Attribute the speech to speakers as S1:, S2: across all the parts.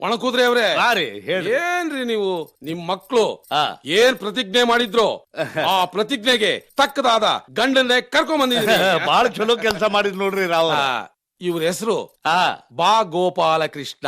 S1: ಒಣಕೂದ್ರಿ ಅವ್ರೆ ಏನ್ರಿ ನೀವು ನಿಮ್ ಮಕ್ಳು ಏನ್ ಪ್ರತಿಜ್ಞೆ ಮಾಡಿದ್ರು ಆ ಪ್ರತಿಜ್ಞೆಗೆ ತಕ್ಕದಾದ ಗಂಡನ್ನೇ ಕರ್ಕೊಂಡ್ ಬಂದಿದ್ರಿ.
S2: ಬಾಳ ಚಲೋ ಕೆಲಸ ಮಾಡಿದ್ ನೋಡ್ರಿ ರಾವ್.
S1: ಇವ್ರ ಹೆಸರು ಬಾ ಗೋಪಾಲಕೃಷ್ಣ.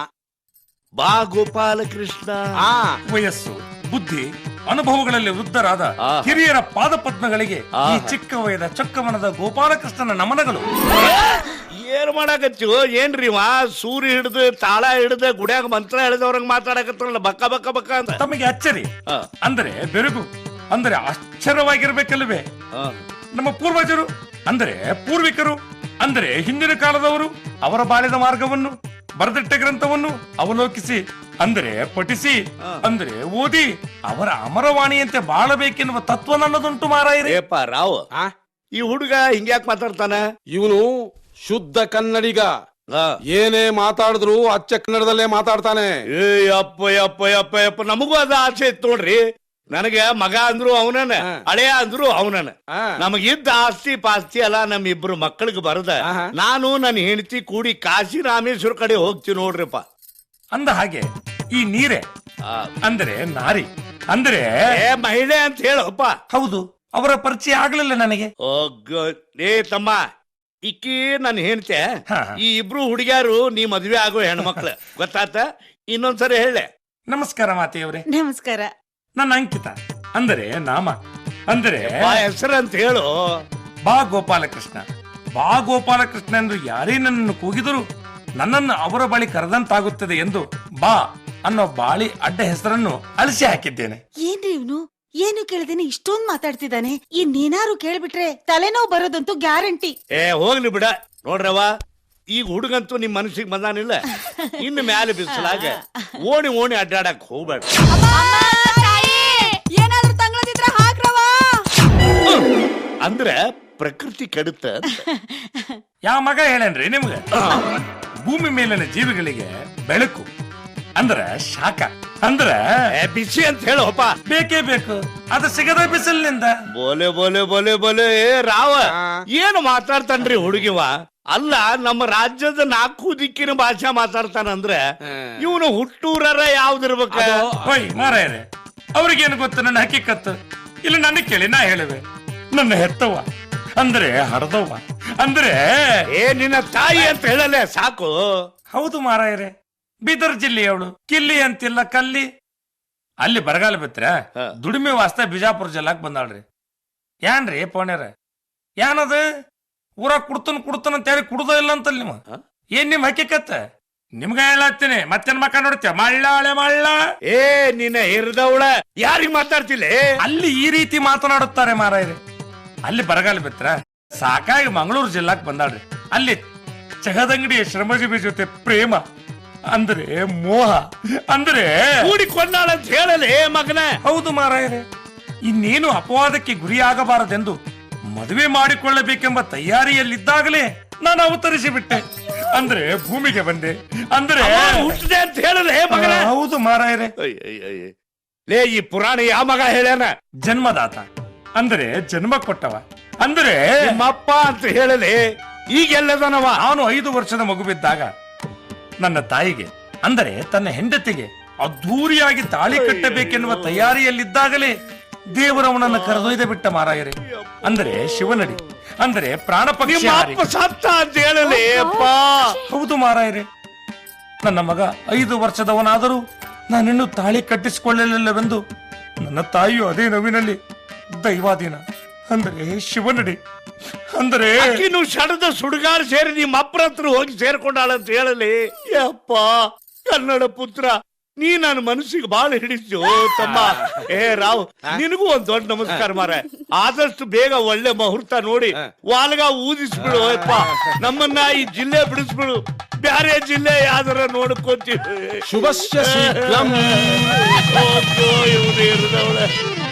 S2: ಬಾ ಗೋಪಾಲಕೃಷ್ಣ.
S3: ವಯಸ್ಸು, ಬುದ್ಧಿ, ಅನುಭವಗಳಲ್ಲಿ ವೃದ್ಧರಾದ ಹಿರಿಯರ ಪಾದಪದ್ಮಗಳಿಗೆ ಈ ಚಿಕ್ಕ ವಯದ ಚೊಕ್ಕಮನದ ಗೋಪಾಲಕೃಷ್ಣನ ನಮನಗಳು.
S2: ಏನ್ ಮಾಡಾಕತ್ತೀವೋ ಏನ್ರಿ ಸೂರ್ಯ ಹಿಡ್ದು ತಾಳ ಹಿಡ್ದು ಗುಡ್ಯಾಗ ಮಂತ್ರ ಹಿಡಿದವ್ರಂಗ್ ಮಾತಾಡಕತ್ತಲ್ಲ ಬಕ್ಕ ಬಕ್ಕ ಬಕ್ಕ ಅಂತ.
S3: ತಮಗೆ ಅಚ್ಚರಿ ಅಂದ್ರೆ ಬೆರಗು ಅಂದ್ರೆ ಆಶ್ಚರ್ಯವಾಗಿರ್ಬೇಕಲ್ವೇ? ನಮ್ಮ ಪೂರ್ವಜರು ಅಂದ್ರೆ ಪೂರ್ವಿಕರು ಅಂದ್ರೆ ಹಿಂದಿನ ಕಾಲದವರು ಅವರ ಬಾಳಿದ ಮಾರ್ಗವನ್ನು ಬರೆದಿಟ್ಟ ಗ್ರಂಥವನ್ನು ಅವಲೋಕಿಸಿ ಅಂದ್ರೆ ಪಠಿಸಿ ಅಂದ್ರೆ ಓದಿ ಅವರ ಅಮರವಾಣಿಯಂತೆ ಬಾಳಬೇಕೆನ್ನುವ ತತ್ವ ನನ್ನದುಂಟು ಮಾರಾಯಿರಿ.
S2: ರಾವ್, ಈ ಹುಡುಗ ಹಿಂಗ್ಯಾಕ್ ಮಾತಾಡ್ತಾನ?
S1: ಇವನು ಶುದ್ಧ ಕನ್ನಡಿಗ. ಏನೇ ಮಾತಾಡಿದ್ರು ಅಚ್ಚ ಕನ್ನಡದಲ್ಲೇ ಮಾತಾಡ್ತಾನೆ.
S2: ಅಪ್ಪ ಅಪ್ಪ ಅಪ್ಪ ಅಪ್ಪ ನಮಗೂ ಅದ ಆಸೆ ಇತ್ತು ನೋಡ್ರಿ. ನನಗೆ ಮಗ ಅಂದ್ರು ಅವನನ, ಹಳೆಯ ಅಂದ್ರು ಅವನನ. ನಮಗಿದ್ದ ಆಸ್ತಿ ಪಾಸ್ತಿ ಅಲ್ಲ ನಮ್ಮ ಇಬ್ರು ಮಕ್ಕಳಿಗೆ ಬರದ ನಾನು ನನ್ನ ಹೆಂಡತಿ ಕೂಡಿ ಕಾಶಿ ರಾಮೇಶ್ವರ ಕಡೆ ಹೋಗ್ತೀವಿ ನೋಡ್ರಿಪ್ಪ.
S3: ಅಂದ ಹಾಗೆ ಈ ನೀರೇ ಅಂದ್ರೆ ನಾರಿ ಅಂದ್ರೆ
S2: ಮಹಿಳೆ ಅಂತ ಹೇಳಪ್ಪ.
S3: ಹೌದು, ಅವರ ಪರಿಚಯ ಆಗ್ಲಿಲ್ಲ ನನಗೆ.
S2: ಏ ತಮ್ಮ, ಇಕ್ಕಿ ನನ್ನ ಹೆಂಡತಿ. ಈ ಇಬ್ರು ಹುಡುಗ್ಯಾರು ನೀ ಮದ್ವೆ ಆಗೋ ಹೆಣ್ಮಕ್ಳು, ಗೊತ್ತಾತ? ಇನ್ನೊಂದ್ಸರಿ ಹೇಳೆ.
S3: ನಮಸ್ಕಾರ ಮಾತೆಯವರೇ.
S4: ನಮಸ್ಕಾರ.
S3: ನನ್ನ ಅಂಕಿತ ಅಂದರೆ ನಾಮ ಅಂದರೆ
S2: ಹೆಸರು ಅಂತ ಹೇಳು.
S3: ಬಾ ಗೋಪಾಲಕೃಷ್ಣ. ಬಾ ಗೋಪಾಲಕೃಷ್ಣ ಎಂದು ಯಾರೇ ನನ್ನನ್ನು ಕೂಗಿದರೂ ನನ್ನನ್ನು ಅವರ ಬಳಿ ಕರೆದಂತಾಗುತ್ತದೆ ಎಂದು ಬಾ ಅನ್ನೋ ಬಾಳಿ ಅಡ್ಡ ಹೆಸರನ್ನು ಅಳಿಸಿ ಹಾಕಿದ್ದೇನೆ.
S4: ಏನ್ರಿ ಇವನು ಏನು ಕೇಳ್ದೇನೆ ಇಷ್ಟೊಂದು ಮಾತಾಡ್ತಿದ್ದಾನೆ. ಇನ್ನೇನಾರು ಕೇಳ್ಬಿಟ್ರೆ ತಲೆನೋವು ಬರೋದಂತೂ ಗ್ಯಾರಂಟಿ.
S2: ಹೋಗ್ಲಿ ಬಿಡ. ನೋಡ್ರವ, ಈಗ ಹುಡುಗಂತೂ ನಿಮ್ ಮನಸ್ಸಿಗೆ ಬಂದಾನಿಲ್ಲ. ಇನ್ನು ಮ್ಯಾಲೆ ಬಿಸಲಾಗ ಓಣಿ ಓಣಿ ಅಡ್ಡಾಡಕ್ ಹೋಗ್ಬೇಡ.
S4: ಏನಾದ್ರೂ ತಂಗ್ಳದಿದ್ರ ಹಾಕ್ರವ.
S2: ಅಂದ್ರೆ ಪ್ರಕೃತಿ ಕೆಡುತ್ತ.
S3: ಯಾವ ಮಗ ಹೇಳೇನ್ರಿ ನಿಮ್ಗೆ? ಭೂಮಿ ಮೇಲಿನ ಜೀವಿಗಳಿಗೆ ಬೆಳಕು ಅಂದ್ರೆ ಶಾಖ ಅಂದ್ರೆ
S2: ಬಿಸಿ ಅಂತ ಹೇಳೋಪ್ಪ.
S3: ಬೇಕೇ ಬೇಕು, ಅದು ಸಿಗದ ಬಿಸಿಲಿನಿಂದ.
S2: ಬೋಲೆ ಬೋಲೆ ಬೋಲೆ ಬೋಲೆ ರಾವ, ಏನು ಮಾತಾಡ್ತಾನ್ರಿ ಹುಡುಗಿವ? ಅಲ್ಲ, ನಮ್ಮ ರಾಜ್ಯದ 4 ದಿಕ್ಕಿನ ಭಾಷೆ ಮಾತಾಡ್ತಾನಂದ್ರೆ ಇವನು ಹುಟ್ಟೂರರ ಯಾವ್ದಿರ್ಬೇಕ?
S3: ಹೋಯ್ ಮಾರಾಯರೆ, ಅವ್ರಿಗೇನು ಗೊತ್ತು ನನ್ನ ಹಕ್ಕಿಕತ್ತು? ಇಲ್ಲ ನನಗೆ ಕೇಳಿ, ನಾ ಹೇಳುವೆ. ನನ್ನ ಹೆತ್ತವ್ವ ಅಂದ್ರೆ ಹಡದವ್ವ ಅಂದ್ರೆ
S2: ನಿನ್ನ ತಾಯಿ ಅಂತ ಹೇಳಲೆ ಸಾಕು.
S3: ಹೌದು ಮಾರಾಯರೆ, ಬೀದರ್ ಜಿಲ್ಲೆಯವಳು. ಕಿಲ್ಲಿ ಅಂತಿಲ್ಲ ಕಲ್ಲಿ. ಅಲ್ಲಿ ಬರಗಾಲ ಬಿತ್ರ ದುಡಿಮೆ ವಾಸ್ತ ಬಿಜಾಪುರ ಜಿಲ್ಲಾಕ್ ಬಂದಾಳ್ರಿ. ಯಾನ್ರಿ ಪೋಣ್ಯಾರ, ಯಾನದ ಊರಾಗ ಕುಡ್ತನ ಅಂತ ಹೇಳಿ ಕುಡ್ದ ಇಲ್ಲ ಅಂತಲ್ ನಿಮ್ಮ ಏನ್ ನಿಮ್ ಹಕ್ಕಿಕತ್ತ? ನಿಮ್ಗ ಹೇಳತ್ತೀನಿ, ಮತ್ತೇನ್ ಮಕ್ಕ ನೋಡ್ತೀಯ? ಮಳ್ಳಾಳೆ ಮಳ್ಳ.
S2: ನಿನ್ನ ಹಿರಿದವಳ ಯಾರಿಗ್ ಮಾತಾಡ್ತಿಲ್ಲ?
S3: ಅಲ್ಲಿ ಈ ರೀತಿ ಮಾತನಾಡುತ್ತಾರೆ ಮಾರಾಯರೆ. ಅಲ್ಲಿ ಬರಗಾಲ ಬಿತ್ರ ಸಾಕಾಗಿ ಮಂಗಳೂರು ಜಿಲ್ಲಾಕ್ ಬಂದಾಳ್ರಿ. ಅಲ್ಲಿ ಚಹದಂಗಡಿಯ ಶ್ರಮಜೀವಿ ಜೊತೆ ಪ್ರೇಮ ಅಂದ್ರೆ ಮೋಹ ಅಂದ್ರೆ
S2: ಕೂಡಿಕೊಂಡಾಳ ಅಂತ ಹೇಳಲೇ ಮಗನ.
S3: ಹೌದು ಮಾರಾಯರೆ, ಇನ್ನೇನು ಅಪವಾದಕ್ಕೆ ಗುರಿಯಾಗಬಾರದೆಂದು ಮದುವೆ ಮಾಡಿಕೊಳ್ಳಬೇಕೆಂಬ ತಯಾರಿಯಲ್ಲಿದ್ದಾಗಲೇ ನಾನು ಅವತರಿಸಿ ಬಿಟ್ಟೆ. ಅಂದ್ರೆ ಭೂಮಿಗೆ ಬಂದೆ ಅಂದ್ರೆ
S2: ಹುಟ್ಟಿದೆ ಅಂತ ಹೇಳಲೇ ಮಗನ.
S3: ಹೌದು ಮಾರಾಯರೆ.
S2: ಲೇ, ಈ ಪುರಾಣ ಯಾವ ಮಗ ಹೇಳ್ಯಾನ?
S3: ಜನ್ಮದಾತ ಅಂದ್ರೆ ಜನ್ಮ ಕೊಟ್ಟವ ಅಂದ್ರೆ
S2: ನಿಮ್ಮಪ್ಪ ಅಂತ ಹೇಳಲಿ. ಈಗೆಲ್ಲದನವ?
S3: ಅವನು 5 ವರ್ಷದ ಮಗುವಿದ್ದಾಗ ನನ್ನ ತಾಯಿಗೆ ಅಂದರೆ ತನ್ನ ಹೆಂಡತಿಗೆ ಅದ್ಧೂರಿಯಾಗಿ ತಾಳಿ ಕಟ್ಟಬೇಕೆನ್ನುವ ತಯಾರಿಯಲ್ಲಿದ್ದಾಗಲೇ ದೇವರವನನ್ನು ಕರೆದೊಯ್ದು ಬಿಟ್ಟ ಮಾರಾಯರೆ. ಅಂದರೆ ಶಿವನಡಿ ಅಂದರೆ ಪ್ರಾಣ ಪಕ್ಷಿ
S2: ಸತ್ತ ಅಂತ ಹೇಳಲಿ.
S3: ಹೌದು ಮಾರಾಯರೆ, ನನ್ನ ಮಗ 5 ವರ್ಷದವನಾದರೂ ನಾನಿನ್ನೂ ತಾಳಿ ಕಟ್ಟಿಸಿಕೊಳ್ಳಲಿಲ್ಲವೆಂದು ನನ್ನ ತಾಯಿಯು ಅದೇ ನೋವಿನಲ್ಲಿ ದೈವಾಧೀನ ಅಂದರೆ ಶಿವನಡಿ ಅಂದ್ರೆ
S2: ಶಡದ ಸುಡುಗಾರ ಸೇರಿ ನಿಮ್ಮ ಅಪ್ಪರ ಹತ್ರ ಹೋಗಿ ಸೇರ್ಕೊಂಡಾಳಂತ ಹೇಳಲಿ. ಯಪ್ಪ ಕನ್ನಡ ಪುತ್ರ, ನೀ ನನ್ನ ಮನಸ್ಸಿಗೆ ಬಾಳ ಹಿಡಿಸು ತಮ್ಮ. ರಾವ್, ನಿನಗೂ ಒಂದ್ ದೊಡ್ಡ ನಮಸ್ಕಾರ ಮಾರ. ಆದಷ್ಟು ಬೇಗ ಒಳ್ಳೆ ಮುಹೂರ್ತ ನೋಡಿ ವಾಲ್ಗ ಊದಿಸ್ಬಿಡು ಯಪ್ಪ. ನಮ್ಮನ್ನ ಈ ಜಿಲ್ಲೆ ಬಿಡಿಸ್ಬಿಡು. ಬ್ಯಾರೆ ಜಿಲ್ಲೆ ಯಾವ್ದಾರ ನೋಡ್ಕೊಂತೀವಿ.
S1: ಶುಭಶ್ಯ ಶೀಘ್ರಂ.
S2: ಇವನು ಇರ್ದವಳೆ.